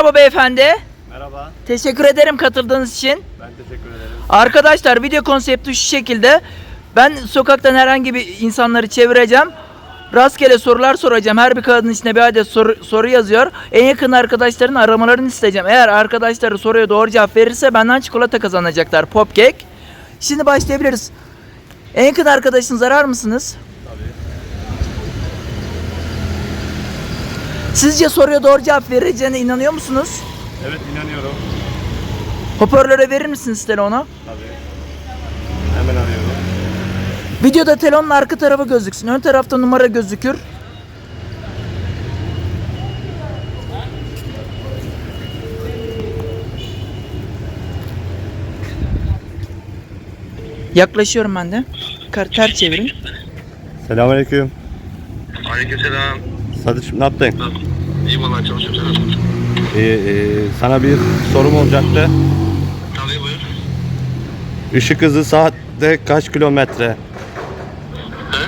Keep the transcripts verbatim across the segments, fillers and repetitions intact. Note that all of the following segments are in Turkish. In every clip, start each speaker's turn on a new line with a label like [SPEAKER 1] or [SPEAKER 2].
[SPEAKER 1] Merhaba beyefendi.
[SPEAKER 2] Merhaba.
[SPEAKER 1] Teşekkür ederim katıldığınız için.
[SPEAKER 2] Ben teşekkür ederim.
[SPEAKER 1] Arkadaşlar video konsepti şu şekilde. Ben sokaktan herhangi bir insanları çevireceğim. Rastgele sorular soracağım. Her bir kağıdın içine bir adet soru, soru yazıyor. En yakın arkadaşların aramalarını isteyeceğim. Eğer arkadaşları soruya doğru cevap verirse benden çikolata kazanacaklar. Popkek. Şimdi başlayabiliriz. En yakın arkadaşınızı arar mısınız?
[SPEAKER 2] Tabii.
[SPEAKER 1] Sizce soruya doğru cevap vereceğine inanıyor musunuz?
[SPEAKER 2] Evet, inanıyorum.
[SPEAKER 1] Hoparlöre verir misiniz telefonu?
[SPEAKER 2] Tabii. Hemen arıyorum.
[SPEAKER 1] Videoda telefonun arka tarafı gözüksün. Ön tarafta numara gözükür. Yaklaşıyorum ben de. Kar ters çevirin.
[SPEAKER 2] Selamünaleyküm.
[SPEAKER 3] Aleykümselam.
[SPEAKER 2] Sadıç'ım ne yaptın?
[SPEAKER 3] İyi vallahi çalışıyorum sen.
[SPEAKER 2] Ee, e, sana bir sorum olacaktı.
[SPEAKER 3] Tabii buyur.
[SPEAKER 2] Işık hızı saatte kaç kilometre?
[SPEAKER 3] He?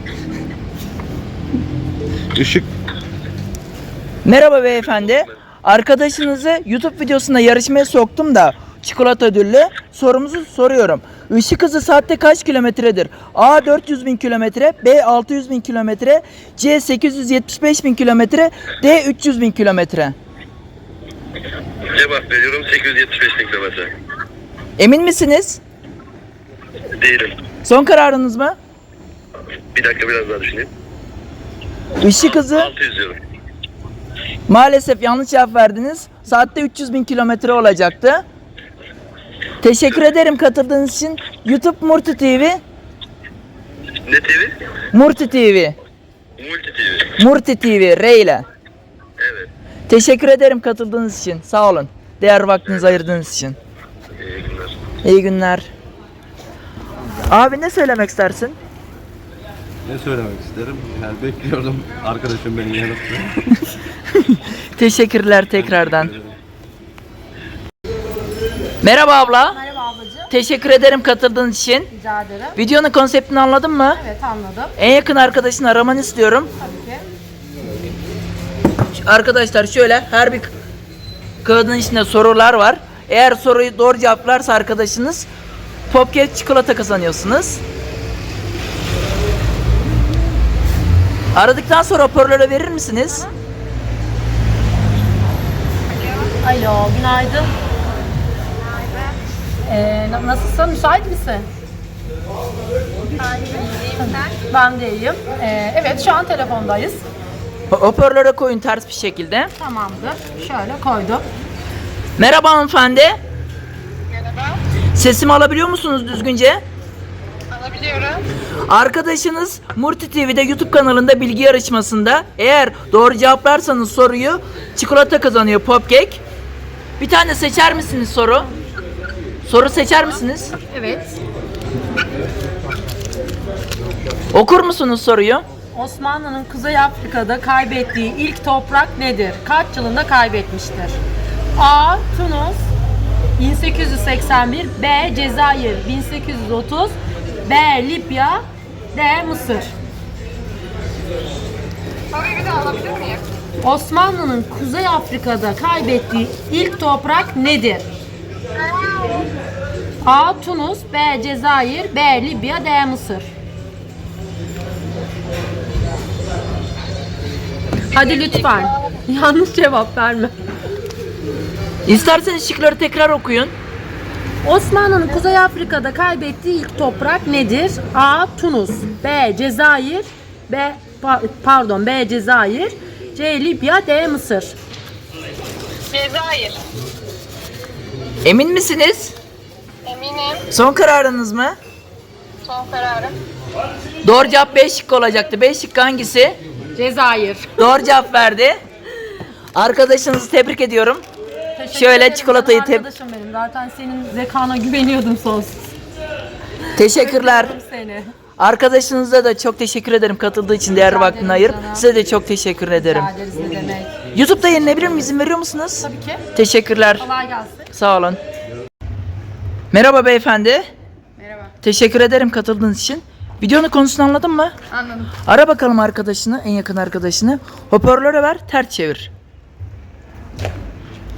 [SPEAKER 2] Işık
[SPEAKER 1] Merhaba beyefendi. Arkadaşınızı YouTube videosunda yarışmaya soktum da çikolata ödüllü sorumuzu soruyorum. Işık hızı saatte kaç kilometredir? A dört yüz bin kilometre, B altı yüz bin kilometre, C sekiz yüz yetmiş beş bin kilometre, D üç yüz bin kilometre.
[SPEAKER 3] Cevap veriyorum sekiz yüz yetmiş beş bin kilometre.
[SPEAKER 1] Emin misiniz?
[SPEAKER 3] Değilim.
[SPEAKER 1] Son kararınız mı?
[SPEAKER 3] Bir dakika biraz daha düşüneyim.
[SPEAKER 1] Işık hızı
[SPEAKER 3] altı yüz diyorum.
[SPEAKER 1] maalesef yanlış cevap verdiniz. Saatte üç yüz bin kilometre olacaktı. Teşekkür ederim katıldığınız için. YouTube Murti T V.
[SPEAKER 3] Ne T V?
[SPEAKER 1] Murti T V.
[SPEAKER 3] Multi T V.
[SPEAKER 1] Murti T V. R ile.
[SPEAKER 3] Evet.
[SPEAKER 1] Teşekkür ederim katıldığınız için. Sağ olun. Değer vaktinizi ayırdığınız için.
[SPEAKER 3] İyi günler.
[SPEAKER 1] İyi günler. Abi ne söylemek istersin?
[SPEAKER 2] ne söylemek isterim? Yani bekliyordum arkadaşım beni yanıtlı.
[SPEAKER 1] Teşekkürler tekrardan. Merhaba abla.
[SPEAKER 4] Merhaba ablacığım.
[SPEAKER 1] Teşekkür ederim katıldığınız için.
[SPEAKER 4] Rica ederim.
[SPEAKER 1] Videonun konseptini anladın mı?
[SPEAKER 4] Evet anladım.
[SPEAKER 1] En yakın arkadaşını aramanı istiyorum.
[SPEAKER 4] Tabii ki.
[SPEAKER 1] Arkadaşlar şöyle her bir kağıdın içinde sorular var. Eğer soruyu doğru cevaplarsa arkadaşınız Popkek çikolata kazanıyorsunuz. Aradıktan sonra hoparlöre verir misiniz?
[SPEAKER 4] Alo, günaydın. Ee, na- nasılsın? Müsait misin? Ben de iyiyim. Ee, evet, şu an telefondayız.
[SPEAKER 1] Ho- Hoparlöre koyun ters bir şekilde.
[SPEAKER 4] Tamamdır. Şöyle koydum.
[SPEAKER 1] Merhaba hanımefendi.
[SPEAKER 5] Merhaba,
[SPEAKER 1] Sesimi alabiliyor musunuz düzgünce?
[SPEAKER 5] alabiliyorum.
[SPEAKER 1] Arkadaşınız Murti T V'de YouTube kanalında bilgi yarışmasında eğer doğru cevaplarsanız soruyu çikolata kazanıyor Popkek. Bir tane seçer misiniz soru? Soru seçer misiniz?
[SPEAKER 4] Evet.
[SPEAKER 1] Okur musunuz soruyu?
[SPEAKER 4] Osmanlı'nın Kuzey Afrika'da kaybettiği ilk toprak nedir? Kaç yılında kaybetmiştir? A. Tunus bin sekiz yüz seksen bir, B. Cezayir bin sekiz yüz otuz, B. Libya, D. Mısır.
[SPEAKER 5] Soruyu bir daha alabilir miyim?
[SPEAKER 4] Osmanlı'nın Kuzey Afrika'da kaybettiği ilk toprak nedir? A. Tunus, B. Cezayir, B. Libya, D. Mısır. Hadi lütfen. Yanlış cevap verme.
[SPEAKER 1] İsterseniz şıkları tekrar okuyun.
[SPEAKER 4] Osmanlı'nın Kuzey Afrika'da kaybettiği ilk toprak nedir? A. Tunus, B. Cezayir, B. pa- Pardon, B. Cezayir, C. Libya, D. Mısır.
[SPEAKER 5] Cezayir.
[SPEAKER 1] Emin misiniz?
[SPEAKER 5] Eminim.
[SPEAKER 1] Son kararınız mı?
[SPEAKER 5] Son kararım.
[SPEAKER 1] Doğru cevap B şıkkı olacaktı. B şıkkı hangisi?
[SPEAKER 4] Cezayir.
[SPEAKER 1] Doğru cevap verdi. Arkadaşınızı tebrik ediyorum.
[SPEAKER 4] Teşekkür
[SPEAKER 1] Şöyle
[SPEAKER 4] ederim,
[SPEAKER 1] çikolatayı
[SPEAKER 4] canım
[SPEAKER 1] tep-
[SPEAKER 4] arkadaşım benim. Zaten senin zekana güveniyordum sonsuz.
[SPEAKER 1] Teşekkürler.
[SPEAKER 4] Öpüyorum seni.
[SPEAKER 1] Arkadaşınıza da çok teşekkür ederim katıldığı için, değerli
[SPEAKER 4] Rica
[SPEAKER 1] vaktini
[SPEAKER 4] ederim
[SPEAKER 1] ayır.
[SPEAKER 4] canım.
[SPEAKER 1] Size de çok teşekkür ederim.
[SPEAKER 4] Rica ederiz, ne demek.
[SPEAKER 1] YouTube'da yayınlayabilir miyim? İzin veriyor musunuz?
[SPEAKER 4] Tabii ki.
[SPEAKER 1] Teşekkürler.
[SPEAKER 4] Kolay gelsin.
[SPEAKER 1] Sağ olun. Merhaba beyefendi.
[SPEAKER 5] Merhaba.
[SPEAKER 1] Teşekkür ederim katıldığınız için. Videonun konusunu anladın mı?
[SPEAKER 5] Anladım.
[SPEAKER 1] Ara bakalım arkadaşını, en yakın arkadaşını. Hoparlöre ver, ters çevir.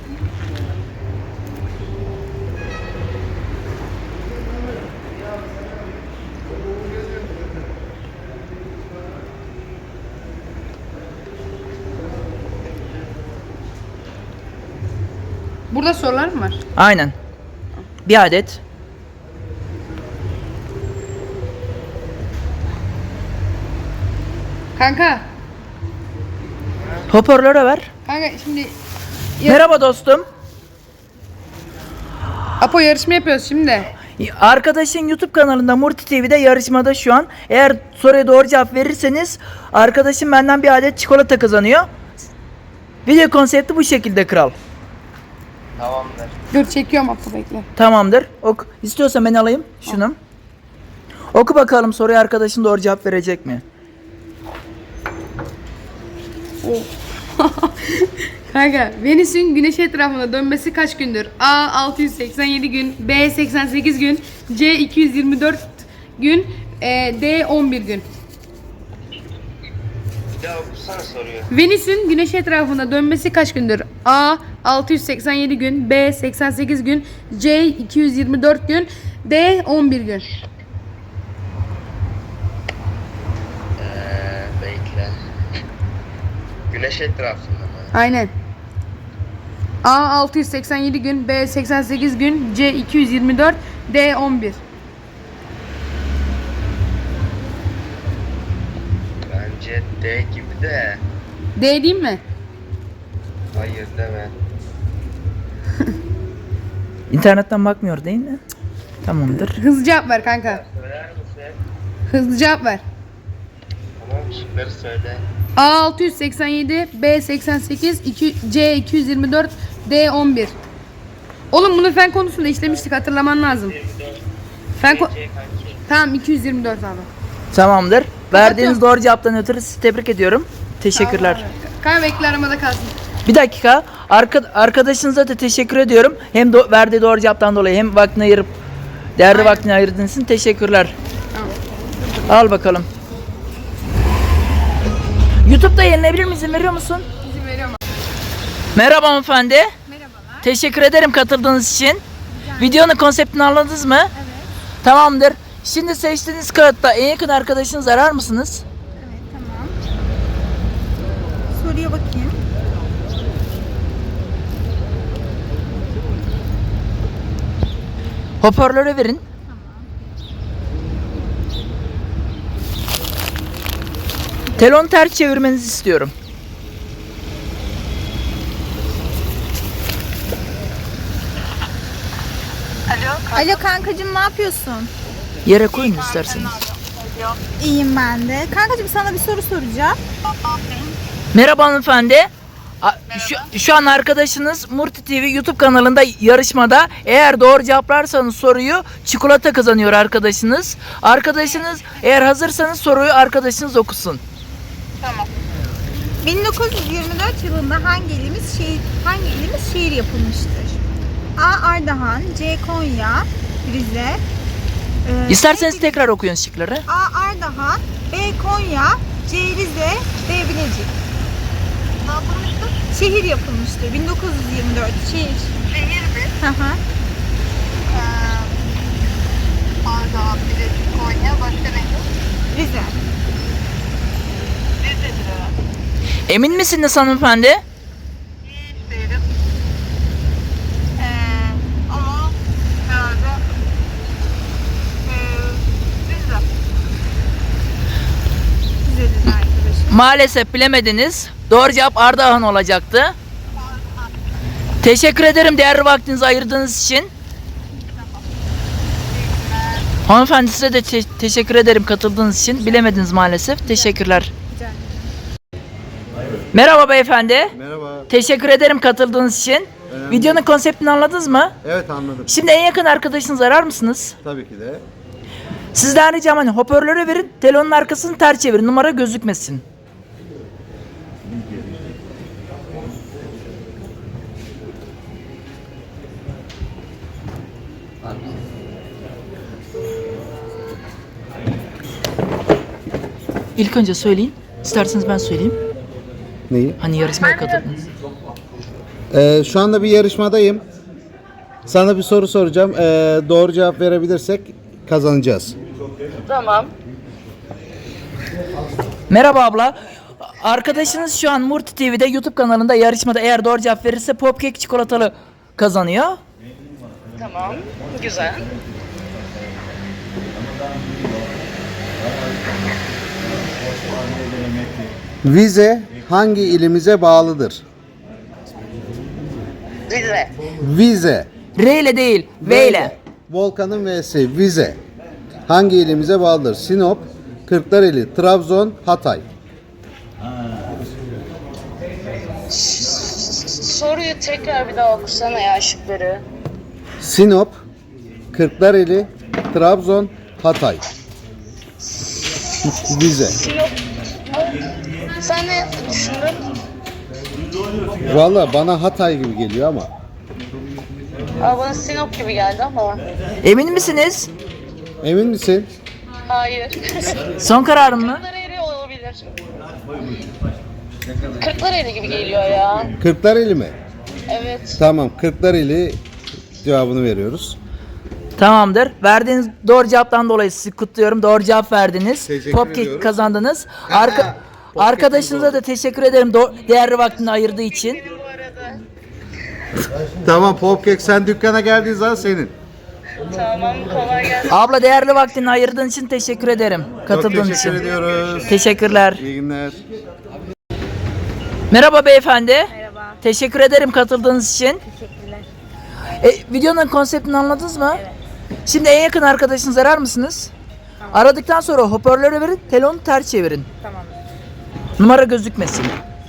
[SPEAKER 6] Burada sorular mı var?
[SPEAKER 1] Aynen. Bir adet.
[SPEAKER 6] Kanka.
[SPEAKER 1] Hoparlöre ver.
[SPEAKER 6] Kanka şimdi Ya-
[SPEAKER 1] Merhaba dostum.
[SPEAKER 6] Apo yarışma yapıyoruz şimdi.
[SPEAKER 1] Arkadaşın YouTube kanalında Murti T V'de yarışmada şu an. Eğer soruya doğru cevap verirseniz arkadaşım benden bir adet çikolata kazanıyor. Video konsepti bu şekilde kral.
[SPEAKER 6] Dur çekiyorum Apo bekle.
[SPEAKER 1] Tamamdır. Ok. İstiyorsan ben alayım şunu. Oku bakalım soruya arkadaşın doğru cevap verecek mi?
[SPEAKER 6] Kanka Venüs'ün güneş etrafında dönmesi kaç gündür? A altı yüz seksen yedi gün, B seksen sekiz gün, C iki yüz yirmi dört gün, e, D on bir gün.
[SPEAKER 3] Ya okusana soruyor.
[SPEAKER 6] Venüs'ün güneş etrafında dönmesi kaç gündür? A altı yüz seksen yedi gün, B seksen sekiz gün, C iki yüz yirmi dört gün, D on bir gün.
[SPEAKER 3] Eee bekle. Güneş etrafında mı?
[SPEAKER 6] Aynen. A altı yüz seksen yedi gün, B seksen sekiz gün, C iki yüz yirmi dört, D on bir.
[SPEAKER 3] Bence D gibi de.
[SPEAKER 6] D değil mi?
[SPEAKER 3] Hayır deme.
[SPEAKER 1] İnternetten bakmıyor değil mi? Cık, Tamamdır.
[SPEAKER 6] Hızlı cevap ver kanka.
[SPEAKER 3] Söyler misin?
[SPEAKER 6] Hızlı cevap ver.
[SPEAKER 3] Tamam şıkları söyle.
[SPEAKER 6] A altı yüz seksen yedi, B seksen sekiz, iki, C iki yüz yirmi dört, D on bir. Oğlum bunu fen konusunda işlemiştik, hatırlaman lazım. Fen ko- Tamam iki yüz yirmi dört abi.
[SPEAKER 1] Tamamdır. Verdiğiniz doğru cevaptan ötürü sizi tebrik ediyorum. Teşekkürler.
[SPEAKER 6] Kanka bekle aramada kalsın.
[SPEAKER 1] Bir dakika. Arka, arkadaşınıza da teşekkür ediyorum. Hem do- verdiği doğru cevaptan dolayı hem vaktini ayırıp değerli
[SPEAKER 6] Aynen.
[SPEAKER 1] vaktini ayırdığınız için teşekkürler.
[SPEAKER 6] Tamam.
[SPEAKER 1] Al bakalım. YouTube'da yayınlayabilir misin? İzin veriyor musun?
[SPEAKER 6] İzin veriyorum.
[SPEAKER 1] Merhaba hanımefendi. Merhabalar. Teşekkür ederim katıldığınız için. Videonun konseptini anladınız mı? Evet. Tamamdır. Şimdi seçtiğiniz kağıtta en yakın arkadaşınızı arar mısınız?
[SPEAKER 7] Evet, tamam. Soruya bakayım.
[SPEAKER 1] Hoparlöre verin. Telefonu ters çevirmenizi istiyorum.
[SPEAKER 7] Alo kankacığım, ne yapıyorsun?
[SPEAKER 1] Yere koyun isterseniz.
[SPEAKER 7] İyiyim ben de. Kankacığım, sana bir soru soracağım.
[SPEAKER 1] Merhaba hanımefendi. A- Şu, şu an arkadaşınız Murti T V YouTube kanalında yarışmada. Eğer doğru cevaplarsanız soruyu çikolata kazanıyor arkadaşınız. Arkadaşınız eğer hazırsanız soruyu arkadaşınız okusun.
[SPEAKER 7] bin dokuz yüz yirmi dört yılında hangi ilimiz şehir hangi ilimiz şehir yapılmıştır? A. Ardahan, C. Konya, Rize. e,
[SPEAKER 1] İsterseniz
[SPEAKER 7] C.
[SPEAKER 1] tekrar okuyun şıkları.
[SPEAKER 7] A. Ardahan, B. Konya, C. Rize, D. Bilecik. Ne yapılmıştır? Şehir yapılmıştır. bin dokuz yüz yirmi dört şehir. Şehir mi? Hı hı. Ardahan, Bilecik, Konya, başka ne? Rize. Rize'dir herhalde.
[SPEAKER 1] Emin misiniz hanımefendi?
[SPEAKER 7] Hiç değilim. Ee, ama herhalde ee, Rize. Rize'dir arkadaşım.
[SPEAKER 1] Maalesef bilemediniz. Doğru cevap Ardahan olacaktı. Teşekkür ederim değerli vaktinizi ayırdığınız için. Hanımefendi size de te- teşekkür ederim katıldığınız için. Bilemediniz maalesef. Teşekkürler. Merhaba beyefendi.
[SPEAKER 8] Merhaba.
[SPEAKER 1] Teşekkür ederim katıldığınız için.
[SPEAKER 8] Önemli
[SPEAKER 1] Videonun konseptini anladınız mı?
[SPEAKER 8] Evet, anladım.
[SPEAKER 1] Şimdi en yakın arkadaşınızı arar mısınız?
[SPEAKER 8] Tabii ki de.
[SPEAKER 1] Sizden ricam hani hoparlöre verin, telefonun arkasını ters çevirin, numara gözükmesin. İlk önce söyleyin. İsterseniz ben söyleyeyim.
[SPEAKER 8] Neyi?
[SPEAKER 1] Hani yarışmaya katıldınız.
[SPEAKER 8] Ee, şu anda bir yarışmadayım. Sana bir soru soracağım. Ee, doğru cevap verebilirsek kazanacağız.
[SPEAKER 1] Merhaba abla. Arkadaşınız şu an Murti T V'de YouTube kanalında yarışmada eğer doğru cevap verirse Popkek çikolatalı kazanıyor.
[SPEAKER 9] Tamam. Güzel.
[SPEAKER 8] Vize hangi ilimize bağlıdır?
[SPEAKER 9] Rize.
[SPEAKER 8] Vize.
[SPEAKER 1] R ile değil, V ile.
[SPEAKER 8] Volkan'ın V'si vize. Hangi ilimize bağlıdır? Sinop, Kırklareli, Trabzon, Hatay.
[SPEAKER 9] Soruyu tekrar bir daha okusana ya şıkları.
[SPEAKER 8] Sinop, Kırklareli, Trabzon, Hatay. Vize.
[SPEAKER 9] Sinop. Sen ne düşündün?
[SPEAKER 8] Valla bana Hatay gibi geliyor ama.
[SPEAKER 9] Aa, bana Sinop gibi geldi ama.
[SPEAKER 1] Emin misiniz?
[SPEAKER 8] Emin misin?
[SPEAKER 9] Hayır.
[SPEAKER 1] Son kararın mı?
[SPEAKER 9] Kırklareli olabilir. Kırklareli gibi geliyor ya.
[SPEAKER 8] Kırklareli mi?
[SPEAKER 9] Evet.
[SPEAKER 8] Tamam, Kırklareli cevabını veriyoruz.
[SPEAKER 1] Tamamdır. Verdiğiniz doğru cevaptan dolayı sizi kutluyorum. Doğru cevap verdiniz.
[SPEAKER 8] Teşekkür
[SPEAKER 1] Popkek
[SPEAKER 8] ediyoruz.
[SPEAKER 1] kazandınız. Arka,
[SPEAKER 8] Popkek
[SPEAKER 1] arkadaşınıza da teşekkür ederim do- değerli vaktini ayırdığı için.
[SPEAKER 9] Bu arada.
[SPEAKER 8] Tamam, Popkek sen dükkana geldiğin zaman senin.
[SPEAKER 9] Tamam, kolay gelsin.
[SPEAKER 1] Abla değerli vaktini ayırdığın için teşekkür ederim.
[SPEAKER 8] Çok
[SPEAKER 1] Katıldığın
[SPEAKER 8] teşekkür
[SPEAKER 1] için.
[SPEAKER 8] ediyoruz.
[SPEAKER 1] Teşekkürler.
[SPEAKER 8] İyi günler.
[SPEAKER 1] Merhaba beyefendi. Merhaba. Teşekkür ederim katıldığınız için.
[SPEAKER 10] Teşekkürler.
[SPEAKER 1] E, videonun konseptini anladınız mı? Evet. Şimdi en yakın arkadaşınızı arar mısınız? Tamam. Aradıktan sonra hoparlörü verin, telefonu ters çevirin.
[SPEAKER 10] Tamam.
[SPEAKER 1] Numara gözükmesin.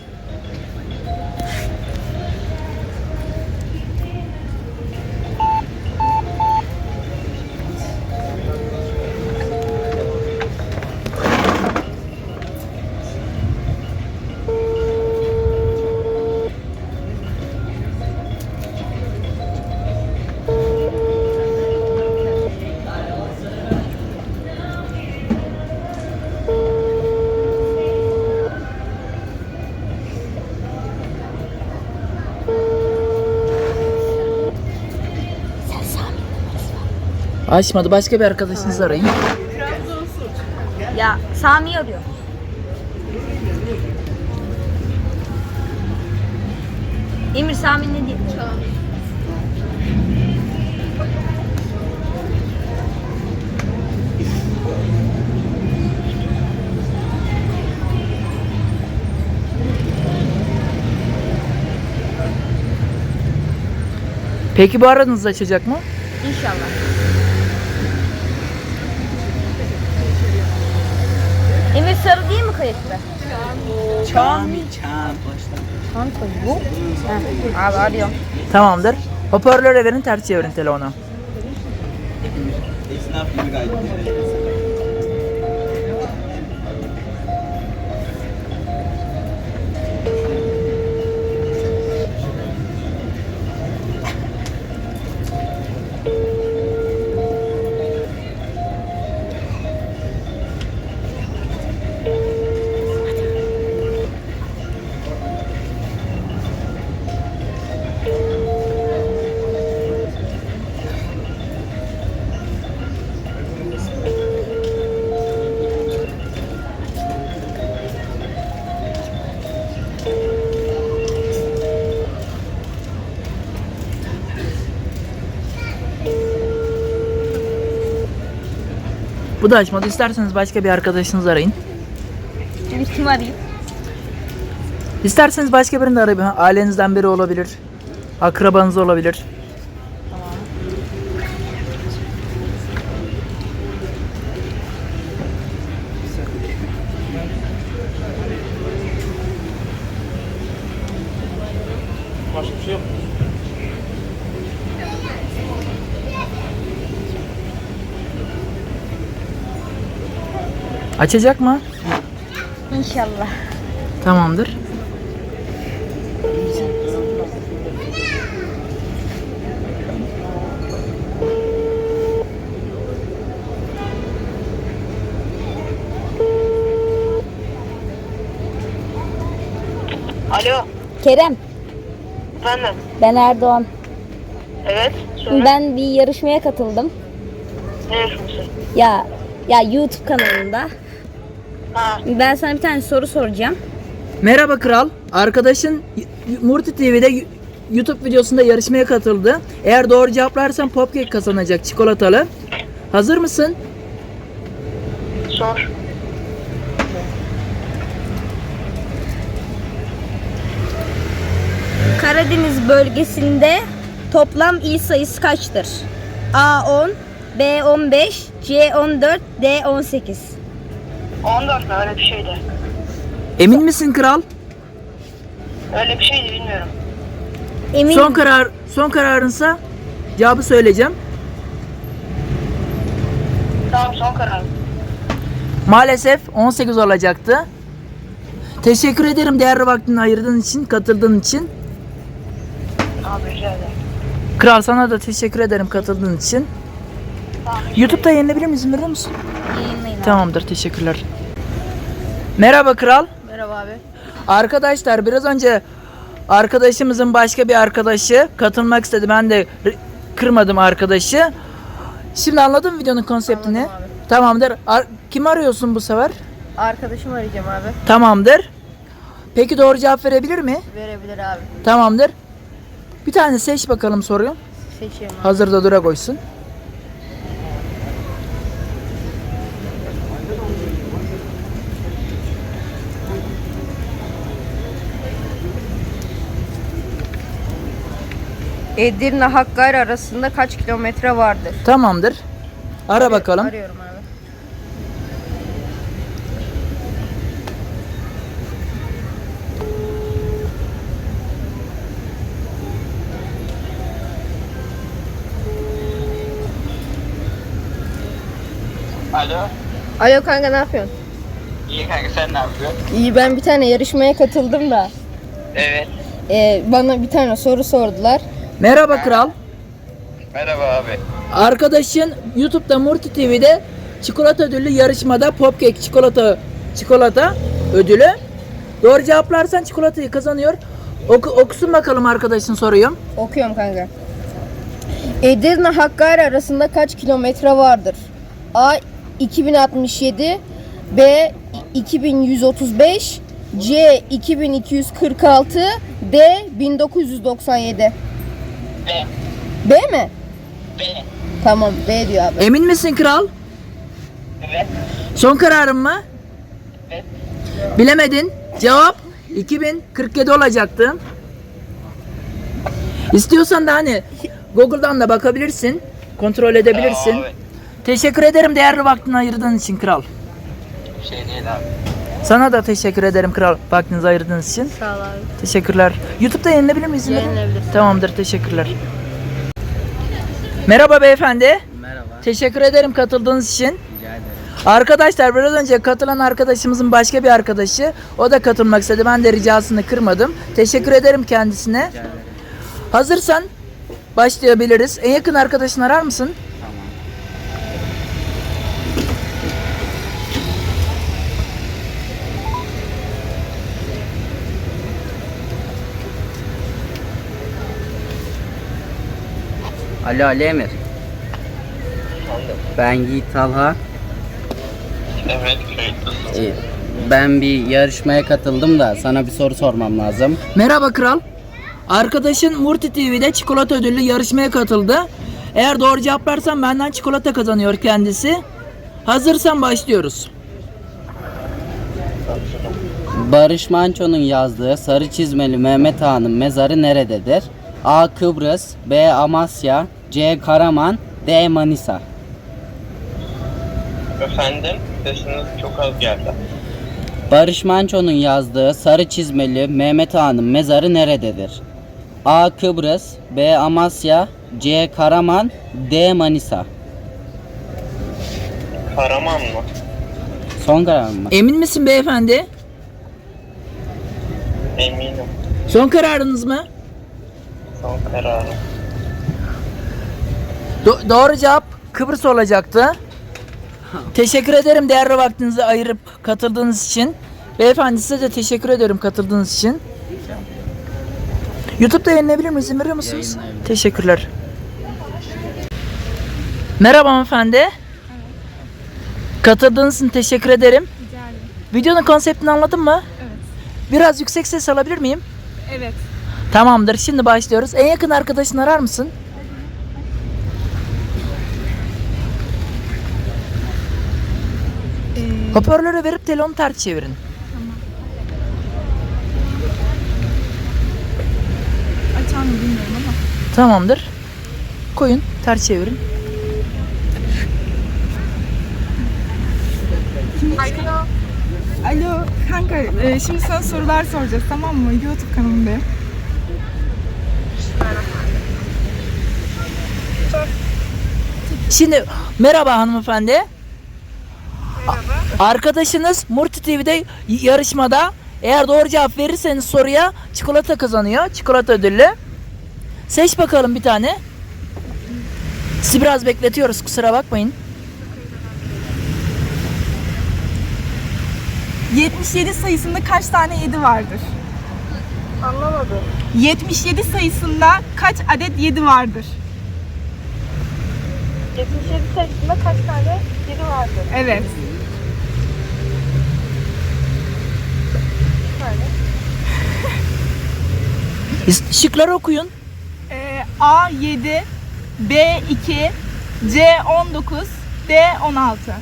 [SPEAKER 1] Açmadı. Başka bir arkadaşınızı arayın.
[SPEAKER 10] Ya Sami arıyor. Emir Sami ne diyor?
[SPEAKER 1] Peki bu aranızı açacak mı?
[SPEAKER 10] İnşallah. Emir Sarı değil mi kayıtlı? Çami. Çami bu. Ha, abi arıyorum.
[SPEAKER 1] Tamamdır. Hoparlöre verin, ters çevirin telefonu. Bu da açmadı. İsterseniz başka bir arkadaşınızı arayın.
[SPEAKER 10] Emir kim arayayım?
[SPEAKER 1] İsterseniz başka birini de arayın. Ha, ailenizden biri olabilir. Akrabanız olabilir.
[SPEAKER 2] Başka bir şey yok.
[SPEAKER 1] Açacak mı?
[SPEAKER 10] İnşallah.
[SPEAKER 1] Tamamdır.
[SPEAKER 9] Alo,
[SPEAKER 10] Kerem,
[SPEAKER 9] efendim.
[SPEAKER 10] ben Erdoğan.
[SPEAKER 9] Evet, söyle.
[SPEAKER 10] Ben bir yarışmaya katıldım.
[SPEAKER 9] Ne yarışması?
[SPEAKER 10] Ya ya YouTube kanalında.
[SPEAKER 9] Ha,
[SPEAKER 10] Ben sana bir tane soru soracağım.
[SPEAKER 1] Merhaba kral. Arkadaşın y- y- Murti T V'de y- YouTube videosunda yarışmaya katıldı. Eğer doğru cevaplarsan popcake kazanacak, çikolatalı. Hazır mısın?
[SPEAKER 9] Sor.
[SPEAKER 10] Karadeniz bölgesinde toplam il sayısı kaçtır? A on, B on beş, C on dört, D on sekiz.
[SPEAKER 9] on dört mü? Öyle bir şeydi.
[SPEAKER 1] Emin misin kral?
[SPEAKER 9] Öyle bir şeydi, bilmiyorum.
[SPEAKER 10] Eminim.
[SPEAKER 1] Son karar son kararınsa cevabı söyleyeceğim.
[SPEAKER 9] Tamam, son karar.
[SPEAKER 1] Maalesef on sekiz olacaktı. Teşekkür ederim değerli vaktini ayırdığın için, katıldığın için.
[SPEAKER 9] Abi rica ederim.
[SPEAKER 1] Kral sana da teşekkür ederim katıldığın için. YouTube'da yayınlayabilir miyiz? İzin verir misin?
[SPEAKER 10] Yayınlayın.
[SPEAKER 1] Tamamdır, teşekkürler. Merhaba kral.
[SPEAKER 6] Merhaba abi.
[SPEAKER 1] Arkadaşlar biraz önce arkadaşımızın başka bir arkadaşı katılmak istedi. Ben de r- kırmadım arkadaşı. Şimdi anladın mı videonun konseptini?
[SPEAKER 6] Anladım abi.
[SPEAKER 1] Tamamdır. Ar- Kim arıyorsun bu sefer?
[SPEAKER 6] Arkadaşımı arayacağım abi.
[SPEAKER 1] Tamamdır. Peki doğru cevap verebilir mi?
[SPEAKER 6] Verebilir abi.
[SPEAKER 1] Tamamdır. Bir tane seç bakalım soruyu.
[SPEAKER 6] Seçiyorum abi.
[SPEAKER 1] Hazırda dura koysun.
[SPEAKER 6] Edirne Hakkari arasında kaç kilometre vardır?
[SPEAKER 1] Tamamdır. Ara bakalım.
[SPEAKER 6] Arıyorum abi.
[SPEAKER 3] Alo.
[SPEAKER 6] Alo kanka, ne yapıyorsun?
[SPEAKER 3] İyi kanka, sen ne yapıyorsun?
[SPEAKER 6] İyi, ben bir tane yarışmaya katıldım da.
[SPEAKER 3] Evet.
[SPEAKER 6] Ee, bana bir tane soru sordular.
[SPEAKER 1] Merhaba kral.
[SPEAKER 3] Merhaba abi.
[SPEAKER 1] Arkadaşın YouTube'da Murti T V'de çikolata ödüllü yarışmada popcake çikolata çikolata ödülü. Doğru cevaplarsan çikolatayı kazanıyor. Oku, okusun bakalım arkadaşın soruyu.
[SPEAKER 6] Okuyorum kanka. Edirne Hakkari arasında kaç kilometre vardır? A iki bin altmış yedi, B iki bin yüz otuz beş, C iki bin iki yüz kırk altı, D bin dokuz yüz doksan yedi.
[SPEAKER 3] B.
[SPEAKER 6] B mi?
[SPEAKER 3] B.
[SPEAKER 6] Tamam, B diyor abi.
[SPEAKER 1] Emin misin kral?
[SPEAKER 3] Evet.
[SPEAKER 1] Son kararın mı?
[SPEAKER 3] Evet.
[SPEAKER 1] Bilemedin. Cevap iki bin kırk yedi olacaktı. İstiyorsan da hani Google'dan da bakabilirsin. Kontrol edebilirsin.
[SPEAKER 3] Tamam abi.
[SPEAKER 1] Teşekkür ederim değerli vaktini ayırdığın için kral.
[SPEAKER 3] Bir şey değil abi.
[SPEAKER 1] Sana da teşekkür ederim kral vaktinizi ayırdığınız için.
[SPEAKER 6] Sağ ol abi.
[SPEAKER 1] Teşekkürler. YouTube'da yayınlayabilir miyiz?
[SPEAKER 6] Yayınlayabilirsin.
[SPEAKER 1] Tamamdır, teşekkürler. Merhaba beyefendi.
[SPEAKER 11] Merhaba.
[SPEAKER 1] Teşekkür ederim katıldığınız için.
[SPEAKER 11] Rica ederim.
[SPEAKER 1] Arkadaşlar biraz önce katılan arkadaşımızın başka bir arkadaşı, o da katılmak istedi. Ben de ricasını kırmadım. Teşekkür ederim kendisine.
[SPEAKER 11] Rica ederim.
[SPEAKER 1] Hazırsan başlayabiliriz. En yakın arkadaşını arar mısın?
[SPEAKER 11] Tamam. Alo Ali Emir. Ben Yiğit Talha.
[SPEAKER 3] Evet, kayıtlısın.
[SPEAKER 11] Ee, Ben bir yarışmaya katıldım da sana bir soru sormam lazım.
[SPEAKER 1] Merhaba kral. Arkadaşın Murti T V'de çikolata ödüllü yarışmaya katıldı. Eğer doğru cevaplarsan benden çikolata kazanıyor kendisi. Hazırsan başlıyoruz.
[SPEAKER 11] Barış Manço'nun yazdığı Sarı Çizmeli Mehmet Ağa'nın mezarı nerededir? A. Kıbrıs, B. Amasya, C. Karaman, D. Manisa.
[SPEAKER 3] Efendim, sesiniz çok az geldi.
[SPEAKER 11] Barış Manço'nun yazdığı Sarı Çizmeli Mehmet Ağa'nın mezarı nerededir? A. Kıbrıs, B. Amasya, C. Karaman, D. Manisa.
[SPEAKER 3] Karaman mı?
[SPEAKER 11] Son karar mı?
[SPEAKER 1] Emin misin beyefendi?
[SPEAKER 3] Eminim.
[SPEAKER 1] Son kararınız mı?
[SPEAKER 3] Son kararım.
[SPEAKER 1] Do- doğru cevap Kıbrıs olacaktı. Teşekkür ederim değerli vaktinizi ayırıp katıldığınız için. Beyefendi size de teşekkür ederim katıldığınız için. YouTube'da yayınlayabilir miyiz? İzin veriyor musunuz?
[SPEAKER 11] Yayınlayabilirim.
[SPEAKER 1] Teşekkürler. Merhaba hanımefendi. Katıldığınız için teşekkür ederim.
[SPEAKER 7] Rica ederim.
[SPEAKER 1] Videonun konseptini anladın mı?
[SPEAKER 7] Evet.
[SPEAKER 1] Biraz yüksek ses alabilir miyim?
[SPEAKER 7] Evet.
[SPEAKER 1] Tamamdır. Şimdi başlıyoruz. En yakın arkadaşını arar mısın?
[SPEAKER 7] Ee,
[SPEAKER 1] Hoparlörü verip telefonu ters çevirin.
[SPEAKER 7] açar mı bilmiyorum ama.
[SPEAKER 1] Tamamdır. Koyun, ters çevirin.
[SPEAKER 5] Alo.
[SPEAKER 7] Alo kanka, e, şimdi sana sorular soracağız, tamam mı? YouTube kanalındayım.
[SPEAKER 1] Şimdi merhaba hanımefendi. Merhaba. Arkadaşınız Murti T V'de yarışmada eğer doğru cevap verirseniz soruya çikolata kazanıyor. Çikolata ödüllü. Seç bakalım bir tane. Sizi biraz bekletiyoruz, kusura bakmayın.
[SPEAKER 7] yetmiş yedi sayısında kaç tane yedi vardır?
[SPEAKER 5] Anlamadım.
[SPEAKER 7] yetmiş yedi sayısında kaç adet yedi vardır?
[SPEAKER 5] yetmiş yedi sayısında kaç tane yedi vardır?
[SPEAKER 7] Evet.
[SPEAKER 1] Şıkları okuyun.
[SPEAKER 7] Ee, A yedi, B iki, C on dokuz, D on altı.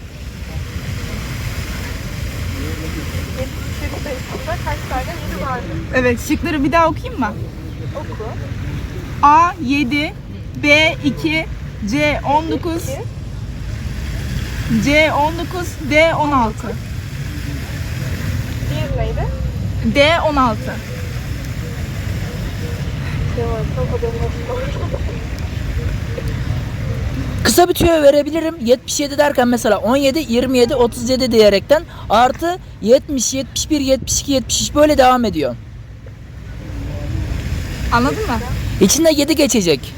[SPEAKER 5] yetmiş yedi sayısında kaç tane yedi vardır?
[SPEAKER 7] Evet, şıkları bir daha okuyayım mı?
[SPEAKER 5] Oku.
[SPEAKER 7] A yedi, B iki, C on dokuz, C on dokuz, D on altı.
[SPEAKER 5] Diğeri neydi?
[SPEAKER 7] D on altı.
[SPEAKER 1] Kısa bir tüyo verebilirim. yetmiş yedi derken mesela on yedi, yirmi yedi, otuz yedi diyerekten artı yetmiş, yetmiş bir, yetmiş iki, yetmiş üç böyle devam ediyor.
[SPEAKER 7] Anladın mı?
[SPEAKER 1] İçinde yedi geçecek.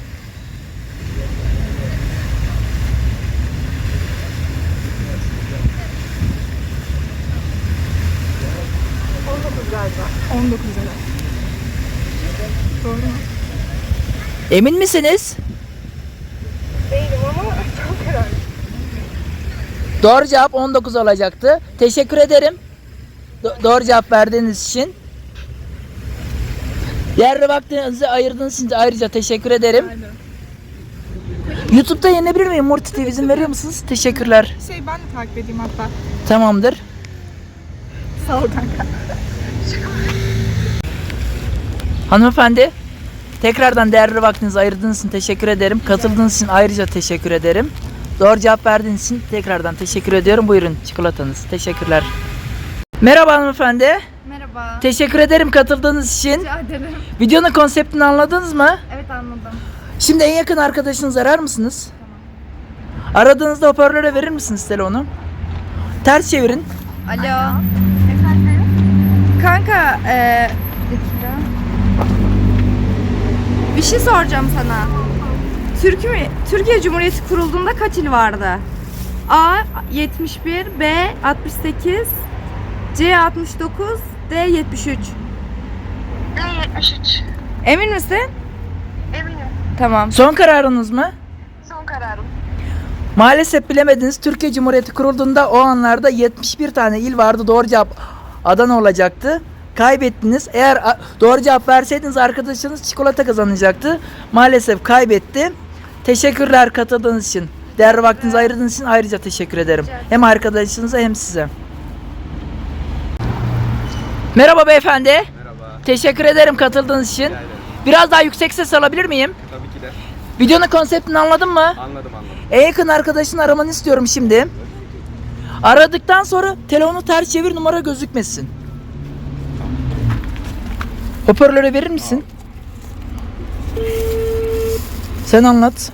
[SPEAKER 5] on dokuz galiba.
[SPEAKER 7] on dokuz evet. Doğru mu?
[SPEAKER 1] Emin misiniz?
[SPEAKER 5] Değilim ama çok herhalde.
[SPEAKER 1] Doğru cevap on dokuz olacaktı. Teşekkür ederim. Do- doğru cevap verdiğiniz için. Değerli vaktinizi ayırdığınız için de ayrıca teşekkür ederim. YouTube'da yenebilir miyim? Murti T V izin veriyor musunuz? Teşekkürler.
[SPEAKER 7] Şey ben de takip edeyim hatta.
[SPEAKER 1] Tamamdır.
[SPEAKER 7] Sağ ol kanka.
[SPEAKER 1] Hanımefendi, tekrardan değerli vaktinizi ayırdığınız için teşekkür ederim. Katıldığınız için ayrıca teşekkür ederim. Doğru cevap verdiğiniz için tekrardan teşekkür ediyorum. Buyurun çikolatanız. Teşekkürler. Merhaba hanımefendi.
[SPEAKER 6] Merhaba.
[SPEAKER 1] Teşekkür ederim katıldığınız için.
[SPEAKER 6] Rica ederim.
[SPEAKER 1] Videonun konseptini anladınız mı?
[SPEAKER 6] Evet anladım.
[SPEAKER 1] Şimdi en yakın arkadaşınızı arar mısınız? Aradığınızda hoparlöre verir misiniz telefonu? Ters çevirin.
[SPEAKER 6] Alo. Kanka eee bir dakika. Bir şey soracağım sana. Türkiye, Türkiye Cumhuriyeti kurulduğunda kaç il vardı? A yetmiş bir, B altmış sekiz, C altmış dokuz, D yetmiş üç.
[SPEAKER 5] D yetmiş üç.
[SPEAKER 6] Emin misin?
[SPEAKER 5] Eminim.
[SPEAKER 6] Tamam.
[SPEAKER 1] Son kararınız mı?
[SPEAKER 5] Son kararım.
[SPEAKER 1] Maalesef bilemediniz. Türkiye Cumhuriyeti kurulduğunda o anlarda yetmiş bir tane il vardı. Doğru cevap Adana olacaktı. Kaybettiniz. Eğer a- doğru cevap verseydiniz arkadaşınız çikolata kazanacaktı. Maalesef kaybetti. Teşekkürler katıldığınız için. Değerli vaktinizi ayırdığınız için ayrıca teşekkür ederim. Hem arkadaşınıza hem size. Merhaba beyefendi.
[SPEAKER 2] Merhaba.
[SPEAKER 1] Teşekkür ederim katıldığınız için. Biraz daha yüksek ses alabilir miyim?
[SPEAKER 2] Tabii ki de.
[SPEAKER 1] Videonun konseptini anladın mı?
[SPEAKER 2] Anladım anladım.
[SPEAKER 1] En yakın arkadaşını aramanı istiyorum şimdi. Aradıktan sonra telefonu ters çevir, numara gözükmesin. Hoparlöre verir misin? Sen anlat.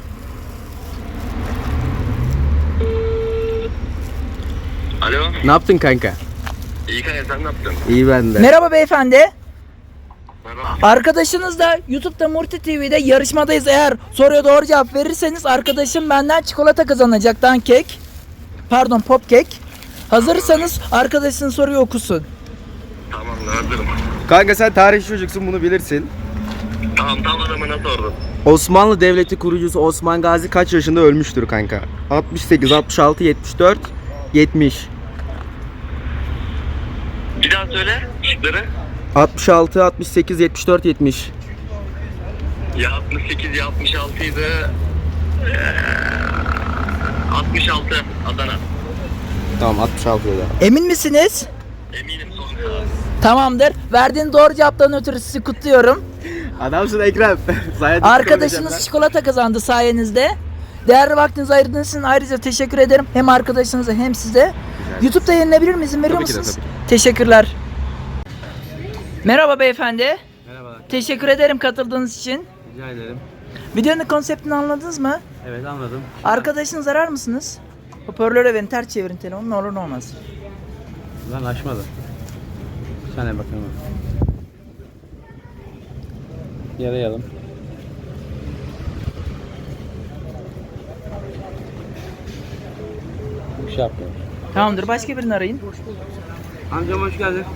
[SPEAKER 3] Alo.
[SPEAKER 2] Ne yaptın kanka?
[SPEAKER 3] İyi kanka sen ne yaptın?
[SPEAKER 2] İyi ben de.
[SPEAKER 1] Merhaba beyefendi.
[SPEAKER 3] Merhaba.
[SPEAKER 1] Arkadaşınız da YouTube'da Murti T V'de yarışmadayız. Eğer soruya doğru cevap verirseniz arkadaşım benden çikolata kazanacak. Dan kek. Pardon pop kek. Hazırsanız arkadaşın soruyu okusun.
[SPEAKER 3] Tamam hazırım.
[SPEAKER 2] Kanka sen tarih çocuksun, bunu bilirsin.
[SPEAKER 3] Tamam tam adamına sordum.
[SPEAKER 2] Osmanlı Devleti kurucusu Osman Gazi kaç yaşında ölmüştür kanka? altmış sekiz, altmış altı, yetmiş dört, yetmiş.
[SPEAKER 3] Bir daha söyle şıkları.
[SPEAKER 2] altmış altı, altmış sekiz, yetmiş dört, yetmiş.
[SPEAKER 3] Ya altmış sekiz ya altmış altı idi. Ee, altmış altı Adana.
[SPEAKER 2] Tamam altmış altı dedi.
[SPEAKER 1] Emin misiniz?
[SPEAKER 3] Eminim son karar.
[SPEAKER 1] Tamamdır. Verdiğin doğru cevaptan ötürü sizi kutluyorum.
[SPEAKER 2] Adamsın Ekrem.
[SPEAKER 1] Arkadaşınız çikolata kazandı sayenizde. Değerli vaktinizi ayırdığınız için ayrıca teşekkür ederim. Hem arkadaşınıza hem size. YouTube'da yayınlanabilir mi? İzin veriyor
[SPEAKER 2] Tabii ki de,
[SPEAKER 1] musunuz?
[SPEAKER 2] tabii
[SPEAKER 1] Teşekkürler. Merhaba beyefendi.
[SPEAKER 2] Merhabalar.
[SPEAKER 1] Teşekkür ederim katıldığınız için.
[SPEAKER 2] Rica ederim.
[SPEAKER 1] Videonun konseptini anladınız mı?
[SPEAKER 2] Evet anladım.
[SPEAKER 1] Arkadaşınızı arar mısınız? Hoparlöre verin, ters çevirin telefonu, ne olur ne olmaz.
[SPEAKER 2] Lan açmadı. Bir saniye bakalım. Yarayalım. Bir şey yapmıyor.
[SPEAKER 1] Tamamdır, başka birini arayın.
[SPEAKER 2] Amcam hoş geldin.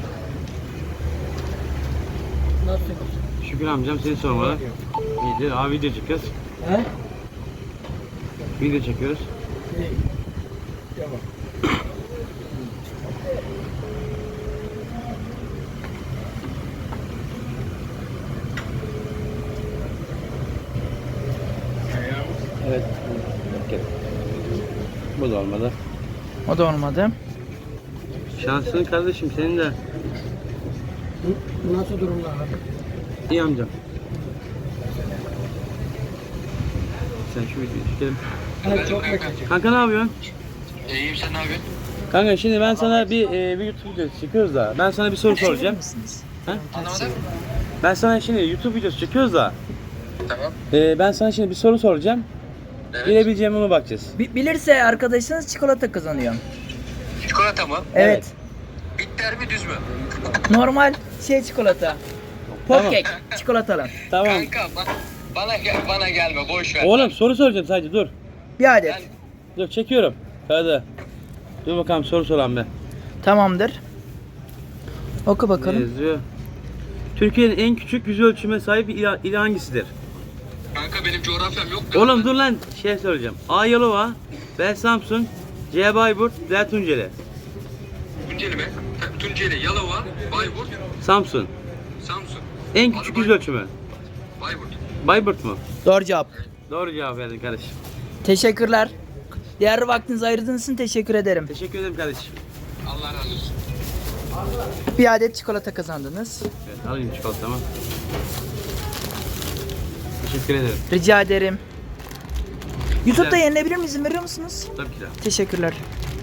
[SPEAKER 2] Şükür amcam seni sormalı. İyidir. Abi video çekiyoruz.
[SPEAKER 1] He?
[SPEAKER 2] Video çekiyoruz. Evet. Bu da olmadı.
[SPEAKER 1] O da olmadı.
[SPEAKER 2] Şansın kardeşim senin de.
[SPEAKER 12] Nasıl durumlar abi?
[SPEAKER 2] İyi amcam. Sen şu videoyu çekelim.
[SPEAKER 12] Evet, çok bekledim.
[SPEAKER 2] Kanka ne yapıyorsun?
[SPEAKER 3] İyiyim sen ne yapıyorsun?
[SPEAKER 2] Kanka şimdi ben sana bir, e, bir YouTube videosu çekiyoruz da ben sana bir soru soracağım. Ha?
[SPEAKER 3] Anlamadım.
[SPEAKER 2] Ben sana şimdi YouTube videosu çekiyoruz da
[SPEAKER 3] Tamam.
[SPEAKER 2] e, ben sana şimdi bir soru soracağım.
[SPEAKER 3] Evet.
[SPEAKER 2] Bilebileceğim ona bakacağız.
[SPEAKER 1] Bi- bilirse arkadaşınız çikolata kazanıyor.
[SPEAKER 3] Çikolata mı?
[SPEAKER 1] Evet.
[SPEAKER 3] Bitter mi düz mü?
[SPEAKER 1] Normal şey çikolata.
[SPEAKER 2] Tamam.
[SPEAKER 1] Popkek çikolatalı.
[SPEAKER 2] Tamam.
[SPEAKER 3] Kanka bana, bana, gel, bana gelme boş ver.
[SPEAKER 2] Oğlum soru soracağım sadece dur.
[SPEAKER 1] Bir adet.
[SPEAKER 2] Dur çekiyorum. Hadi. Dur bakalım soru soran be.
[SPEAKER 1] Tamamdır. Oku
[SPEAKER 2] Ne
[SPEAKER 1] bakalım.
[SPEAKER 2] yazıyor? Türkiye'nin en küçük yüz ölçüme sahip il, il hangisidir?
[SPEAKER 3] Kanka benim coğrafyam yok.
[SPEAKER 2] Oğlum dur lan şey soracağım. A. Yalova, B. Samsun, C. Bayburt, D. Tunceli.
[SPEAKER 3] Tunceli mi? Tunceli, Yalova, Bayburt,
[SPEAKER 2] Samsun.
[SPEAKER 3] Samsun,
[SPEAKER 2] En küçük yüz ölçümü.
[SPEAKER 3] Bayburt.
[SPEAKER 2] Bayburt mu?
[SPEAKER 1] Doğru cevap.
[SPEAKER 2] Doğru cevap verdin kardeşim.
[SPEAKER 1] Teşekkürler. Diğer vaktinizi ayırdığınız için teşekkür ederim.
[SPEAKER 2] Teşekkür ederim kardeşim.
[SPEAKER 3] Allah razı olsun.
[SPEAKER 1] Bir adet çikolata kazandınız.
[SPEAKER 2] Evet alayım çikolatamı. Teşekkür ederim.
[SPEAKER 1] Rica ederim. YouTube'da
[SPEAKER 2] Güzel.
[SPEAKER 1] yayınlanabilir mi? İzin veriyor musunuz?
[SPEAKER 2] Tabii ki de.
[SPEAKER 1] Teşekkürler.